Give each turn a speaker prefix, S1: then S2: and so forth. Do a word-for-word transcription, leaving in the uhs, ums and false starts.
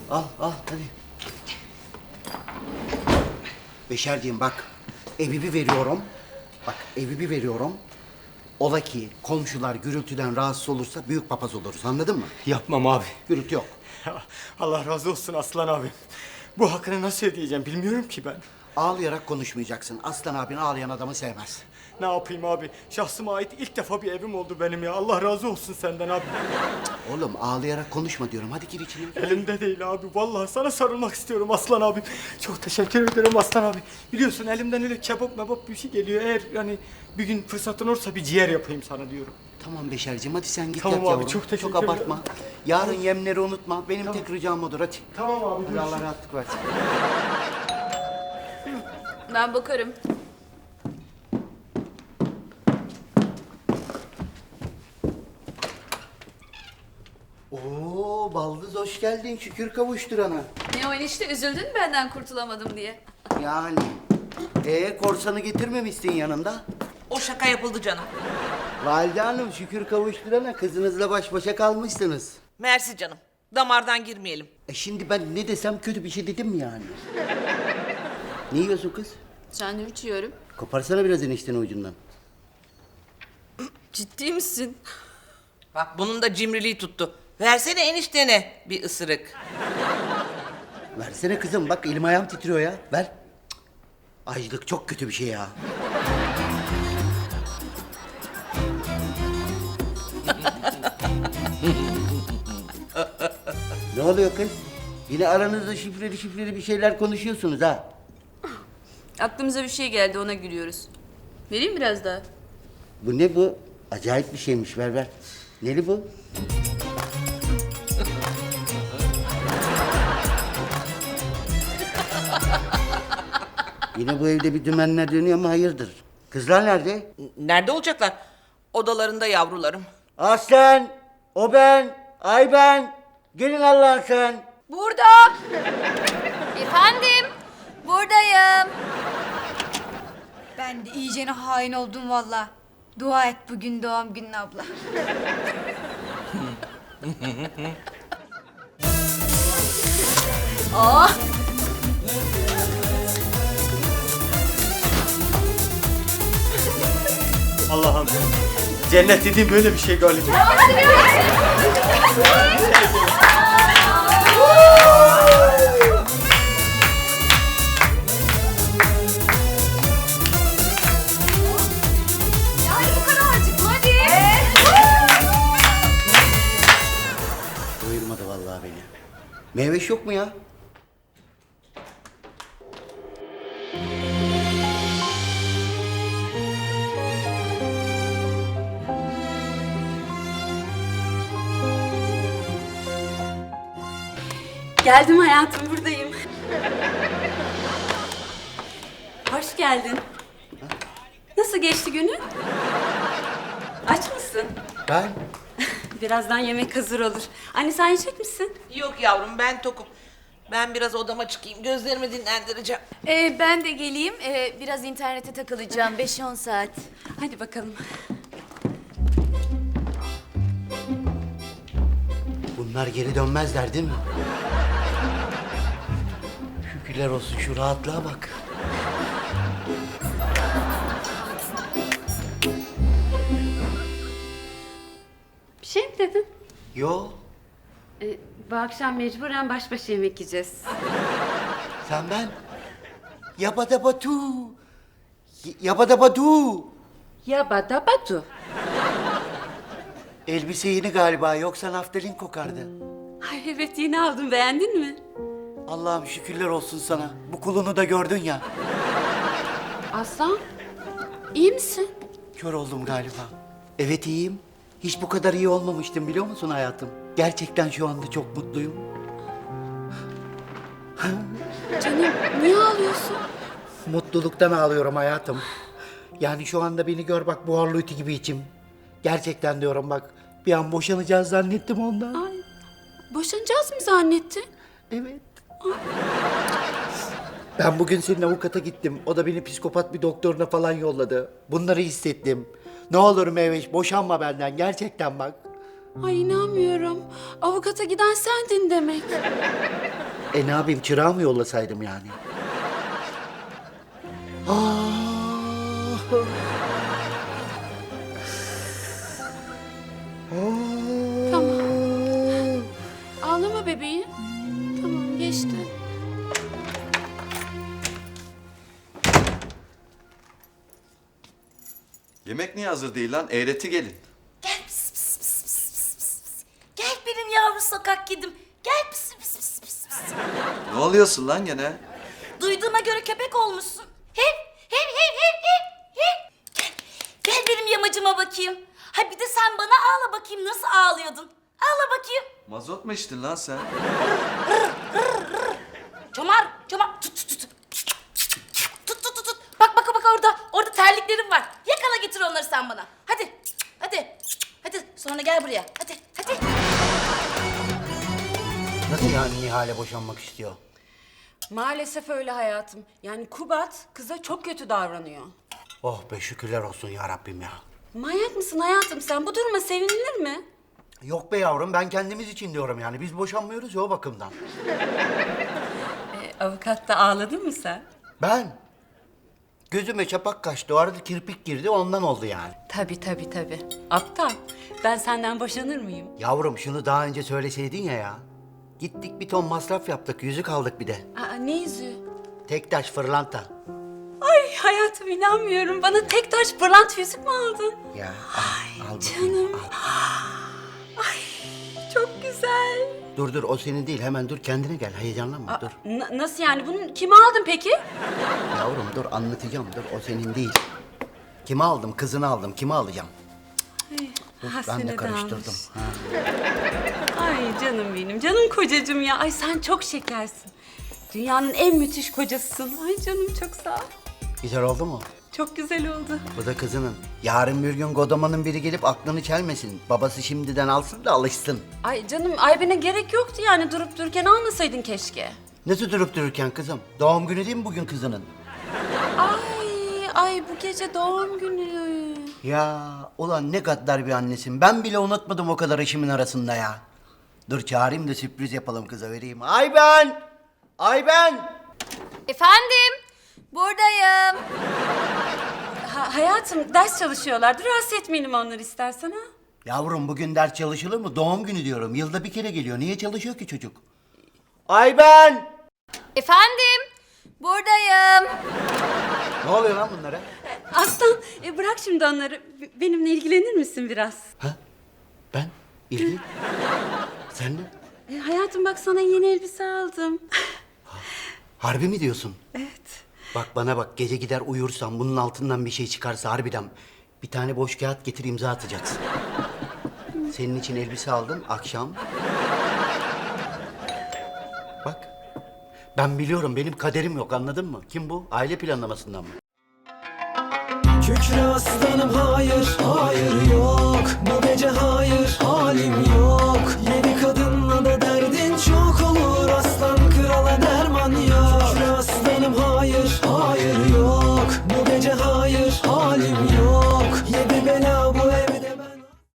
S1: Al al hadi. Beşerciğim bak, evi bir veriyorum. Bak evi bir veriyorum. Ola ki komşular gürültüden rahatsız olursa büyük papaz oluruz, anladın mı?
S2: Yapmam abi.
S1: Gürültü yok.
S2: Ya, Allah razı olsun Aslan abi. Bu hakkını nasıl ödeyeceğim bilmiyorum ki ben.
S1: Ağlayarak konuşmayacaksın. Aslan abin ağlayan adamı sevmez.
S2: Ne yapayım abi? Şahsıma ait ilk defa bir evim oldu benim ya. Allah razı olsun senden abi.
S1: Oğlum ağlayarak konuşma diyorum. Hadi gir içine.
S2: Elimde değil abi. Vallahi sana sarılmak istiyorum Aslan abi. Çok teşekkür ederim Aslan abi. Biliyorsun elimden öyle kebap mebap bir şey geliyor. Eğer yani bir gün fırsatın olursa bir ciğer yapayım sana diyorum.
S1: Tamam Beşerciğim hadi sen git
S2: Tamam
S1: yat
S2: abi,
S1: yavrum.
S2: çok teşekkür
S1: Çok abartma.
S2: ederim.
S1: Yarın yemleri unutma. Benim tek ricam odur hadi.
S2: Tamam abi.
S1: Hadi
S2: görüşürüz.
S1: Allah rahatlık versin.
S3: Ben bakarım.
S1: Oo baldız hoş geldin. Şükür kavuşturana.
S3: Ne o enişte, üzüldün mü benden kurtulamadım diye?
S1: Yani. Ee korsanı getirmemişsin yanında.
S4: O şaka yapıldı canım.
S1: Valide Hanım şükür kavuşturana kızınızla baş başa kalmışsınız.
S4: Mersi canım. Damardan girmeyelim.
S1: E şimdi ben ne desem kötü bir şey dedim mi yani? Ne yiyorsun kız?
S3: Sandviç yiyorum.
S1: Koparsana biraz eniştenin ucundan.
S3: Ciddi misin?
S4: Bak bunun da cimriliği tuttu. Versene eniştene bir ısırık.
S1: Versene kızım bak elim ayağım titriyor ya. Ver. Cık. Açlık çok kötü bir şey ya. Ne oluyor kız? Yine aranızda şifreli şifreli bir şeyler konuşuyorsunuz ha.
S3: Aklımıza bir şey geldi, ona gülüyoruz. Vereyim biraz daha.
S1: Bu ne bu? Acayip bir şeymiş ver ver. Neli bu? Yine bu evde bir dümenler dönüyor ama hayırdır? Kızlar nerede?
S4: Nerede olacaklar? Odalarında yavrularım.
S1: Aslan, o ben, ay ben. Gelin Allah'ın sen.
S3: Burada! Efendim? Buradayım.
S5: Ben de iyicene hain oldum valla. Dua et bugün doğum günün abla.
S3: Aa!
S2: Allah'ım. Cennet dediğim böyle bir şey galiba.
S3: Yani bu kadarcık mı? Hadi.
S1: Doyurmadı vallahi beni. Meyveş yok mu ya?
S3: Geldim hayatım, buradayım. Hoş geldin. Nasıl geçti günün? Aç mısın?
S1: Ben?
S3: Birazdan yemek hazır olur. Anne sen yiyecek misin?
S4: Yok yavrum ben tokum. Ben biraz odama çıkayım. Gözlerimi dinlendireceğim.
S3: Ee, ben de geleyim. Ee, biraz internete takılacağım. beş on saat. Hadi bakalım.
S1: Bunlar geri dönmezler değil mi? Şükürler olsun şu rahatlığa bak.
S6: Bir şey mi dedin?
S1: Yo,
S6: Ee, bu akşam mecburen baş başa yemek yiyeceğiz.
S1: sen ben. Yabadabatu. Y- Yabadabadu.
S6: Ya bada batu.
S1: Elbise yeni galiba yoksa naftalin kokardı.
S6: Ay evet yeni aldım, beğendin mi?
S1: Allah'ım şükürler olsun sana. Bu kulunu da gördün ya.
S6: Aslan iyi misin?
S1: Kör oldum galiba. Evet iyiyim. Hiç bu kadar iyi olmamıştım biliyor musun hayatım? Gerçekten şu anda çok mutluyum.
S6: Canım niye ağlıyorsun?
S1: Mutluluktan ağlıyorum hayatım. Yani şu anda beni gör bak buharlı ütü gibi içim. Gerçekten diyorum bak. Bir an boşanacağız zannettim ondan.
S6: Ay, boşanacağız mı zannettin?
S1: Evet. Ben bugün senin avukata gittim. O da beni psikopat bir doktoruna falan yolladı. Bunları hissettim. Ne olur Meyveş boşanma benden gerçekten bak.
S6: Ay inanmıyorum. Avukata giden sendin demek.
S1: E ne yapayım, çırağı mı yollasaydım yani?
S6: Tamam. Ağlama bebeğim. Tamam geçti.
S7: Yemek niye hazır değil lan? Eğreti gelin.
S3: Gel pis pis pis pis pis pis pis. Gel benim yavru sokak kedim. Gel pis pis pis pis pis.
S7: Ne oluyorsun lan gene?
S3: Duyduğuma göre köpek olmuşsun. Hev hev hev hev hev hev. Gel, gel benim yamacıma bakayım. Ha bir de sen bana ağla bakayım, nasıl ağlıyordun? Ağla bakayım.
S7: Mazot mu içtin lan sen?
S3: Çomar, çomar. Tut tut tut. Tut tut tut tut. Bak bak bak orada. Orada terliklerim var. Yakala getir onları sen bana. Hadi. Hadi. Hadi sonra gel buraya. Hadi. Hadi.
S1: Nasıl yani Nihal'e boşanmak istiyor?
S6: Maalesef öyle hayatım. Yani Kubat kıza çok kötü davranıyor.
S1: Oh be, şükürler olsun ya Rabbim ya.
S6: Manyak mısın hayatım sen? Bu duruma sevinilir mi?
S1: Yok be yavrum, ben kendimiz için diyorum yani. Biz boşanmıyoruz ya o bakımdan.
S6: E, avukat da ağladın mı sen?
S1: Ben? Gözüme çapak kaçtı, o arada kirpik girdi, ondan oldu yani.
S6: Tabii tabii tabii. Aptal. Ben senden boşanır mıyım?
S1: Yavrum şunu daha önce söyleseydin ya ya. Gittik bir ton masraf yaptık, yüzük aldık bir de.
S6: Aa, ne yüzüğü?
S1: Tek taş fırlanta.
S6: Ay hayatım inanmıyorum. Bana tek taş pırlant yüzük mü aldın?
S1: Ya al, al bakayım,
S6: Canım.
S1: al.
S6: Ay çok güzel.
S1: Dur dur, o senin değil, hemen dur, kendine gel, heyecanlanma,
S6: Aa,
S1: dur.
S6: n- nasıl yani? Bunu kime aldın peki?
S1: Yavrum dur, anlatacağım, dur, o senin değil. Kime aldım? Kızını aldım, kime alacağım? Dur, ben
S6: Hasene
S1: de
S6: de
S1: karıştırdım.
S6: almış.
S1: Ha.
S6: Ay canım benim, canım kocacığım ya. Ay sen çok şekersin. Dünyanın en müthiş kocasısın. Ay canım çok sağ ol.
S1: Güzel oldu mu?
S6: Çok güzel oldu.
S1: Bu da kızının. Yarın bir gün Godaman'ın biri gelip aklını çelmesin. Babası şimdiden alsın da alışsın.
S6: Ay canım Ayben'e gerek yoktu yani durup dururken almasaydın keşke.
S1: Nasıl durup dururken kızım? Doğum günü değil mi bugün kızının?
S6: Ay ay bu gece doğum günü.
S1: Ya ulan ne gaddar bir annesin. Ben bile unutmadım o kadar işimin arasında ya. Dur çağırayım da sürpriz yapalım, kıza vereyim. Ayben! Ayben!
S3: Efendim? Buradayım.
S6: Ha, hayatım ders çalışıyorlardı. Rahatsız etmeyelim onları istersen ha.
S1: Yavrum bugün ders çalışılır mı? Doğum günü diyorum. Yılda bir kere geliyor. Niye çalışıyor ki çocuk? Ayben!
S3: Efendim? Buradayım.
S1: Ne oluyor lan bunlara?
S6: Aslan e, bırak şimdi onları. B- benimle ilgilenir misin biraz?
S1: Ha? Ben? İlgi? Sen de?
S6: E, hayatım bak sana yeni elbise aldım.
S1: Harbi mi diyorsun?
S6: Evet.
S1: Bak bana bak, gece gider uyursam bunun altından bir şey çıkarsa harbiden bir tane boş kağıt getir, imza atacaksın. Senin için elbise aldım akşam. Bak. Ben biliyorum, benim kaderim yok, anladın mı? Kim bu? Aile planlamasından mı?
S8: Kükre aslanım hayır, hayır yok. Bu gece hayır, halim yok. Yedi kadın